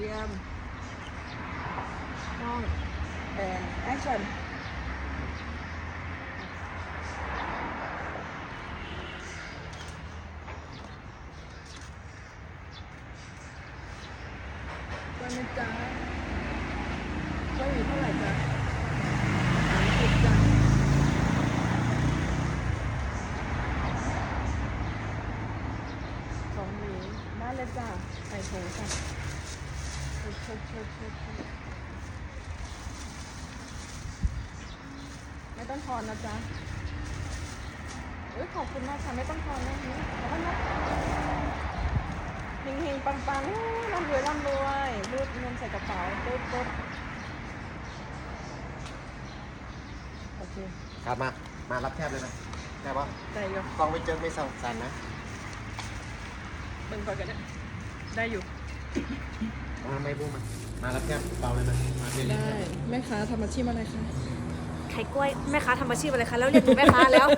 รียมกล้องแอนแอคชั่นกล้วยนะจ๊ะกล้วยอยู่เท่าไหร่จ๊ะ30จ้ะ2 หวีได้เลยจ้ะใส่ถุงค่ะชดไม่ต้องทอนนะจ๊ะขอบคุณมากค่ะไม่ต้องทอนนะนี่ขอบคุณนะเฮงๆปังๆร่ำรวยรูดเงินใส่กระเป๋าปุ๊บโอเคครับมารับแทบเลยนะได้ปะได้อยู่กล้องไม่เจอไม่สั่นนะเบิ่งก่อนกันนะได้อยู่ไม่พูดมารับแทบเบาเลยนะมาเรียนได้แม่ค้าทำอาชีพอะไรคะขายกล้วยแม่ค้าทำอาชีพอะไรคะแล้วเรียกหนูแม่ค้าแล้ว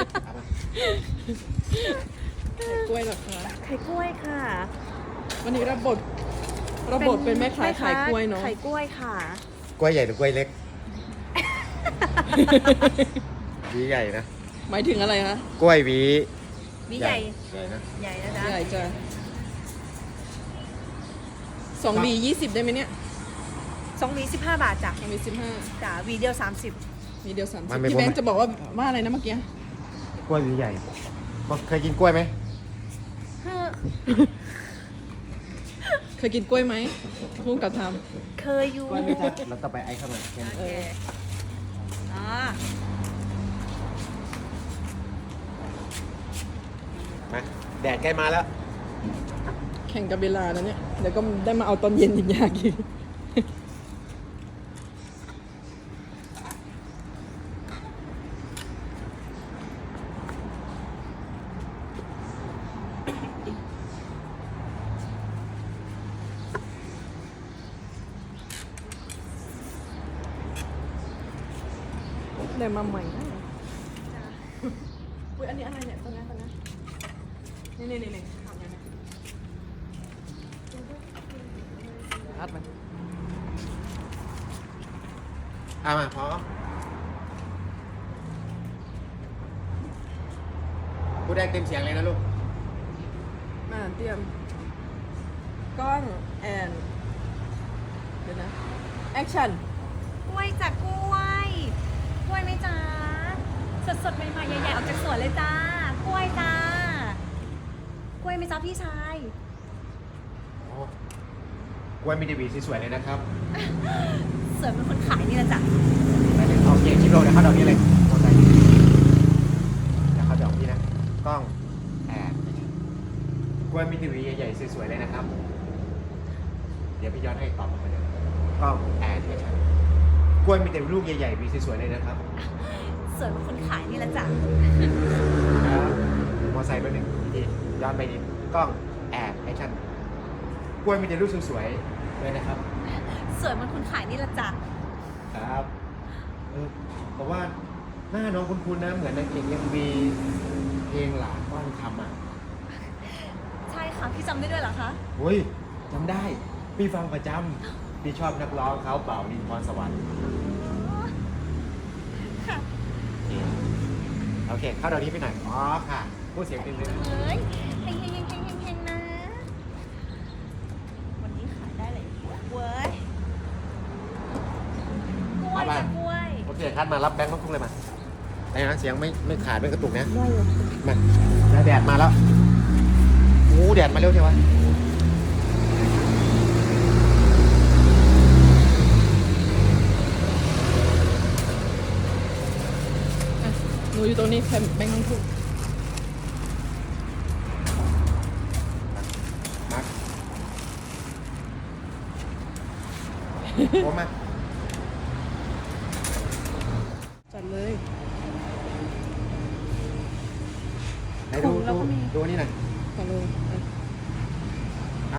ขายกล้วยเหรอคะขายกล้วยค่ะวันนี้รับบทเป็นแม่ค้าขายกล้วยเนาะขายกล้วยค่ะกล้วยใหญ่หรือกล้วยเล็กหวีใหญ่นะหมายถึงอะไรคะกล้วยหวีวิใหญ่ใหญ่นะใหญ่นะจ๊ะใหญ่จ้ะ2 หวี 20ได้ไหมเนี่ย 2 หวี15 บาทจ้ะ 2 หวี 15 จ้ะหวีเดียวมีเดียว30พี่แบงค์จะบอกว่าอะไรนะเมื่อกี้กล้วยหวีใหญ่เคยกินกล้วยไหม 30 เคยกินกล้วยไหมพุ่งกับทเคยอยู่กล้วยไม่ใช่เราต้องไปไอ้เข้ามาแค่นั้นโอเคอ๋อมาแดดใกล้มาแล้วำแข่งกับเวลานะเนี่ยเดี๋ยวก็ได้มาเอาตอนเย็นอีกอยากกินได้มาใหม่นะอุ้ยอันนี้อะไรเนี่ยตอนนั้นนี่ทำยังไงอัดไหมมาพร้อมพูดได้เต็มเสียงเลยนะลูกมาเตรียมกล้องแอนเดี๋ยวนะแอคชั่นกล้วยจ้ะกล้วยกล้วยไหมจ๊ะสดๆใหม่ๆใหญ่ๆออกจากสวนเลยจ้ากล้วยจ้ากล้วยไหมจ๊ะพี่ชายกล้วยมีดีวีสวยๆเลยนะครับสวยเป็นคนขายนี่แหละจ้ะแล้วเดี๋ยวเอาเกียร์คลิปโลเดี๋ยวเข้าดอกนี้เลยมอไซค์เดี๋ยวเข้าดอกนี้นะกล้องแอบกล้วยมีดีวีใหญ่ๆสวยๆเลยนะครับ เดี๋ยวพี่ย้อนให้ตอบมาเหมือนเดิมกล้องแอบกล้วยมีแต่ลูกใหญ่ๆวีสวยๆเลยนะครับสวยเป็นคนขายนี่แหละจ้ะครับมอไซค์ไปหนึ่งทีย้อนไปนิดกล้องแอบแอคชั่นกล้วยมีแต่ลูกสวยๆเลยนะครับสวยเป็นคนขายนี่แหละจ้ะครับเพราะว่าหน้าน้องคุ้นๆนะ เหมือนนางเอกยังมีเพลงหลาก้อนคำอ่ะใช่ค่ะพี่จำได้ด้วยเหรอคะโอ้ยจำได้ พี่ฟังประจำพี่ชอบนักร้องเขาเป่าดินพรสวรรค์ค่ะโอเค เข้าดอกนี้ไปหน่อย อ๋อค่ะ พูดเสียงหนึ่งเลยเฮ้ยเฮงๆๆๆๆนะวันนี้ขายได้เลยเว้ยกล้วยจ้ะกล้วยโอเคคัดมารับแบงค์ลูกทุ่งเลยมาไอ้นะเสียงไม่ขาดไม่กระตุกนะได้เลยมาแล้วแดดมาแล้วโอ้แดดมาเร็วเชียววะหนูอยู่ตรงนี้แบงค์ทั้งคู่มาโอ้มาจัดเลยไหนดูนี่หน่อยก่อนเลย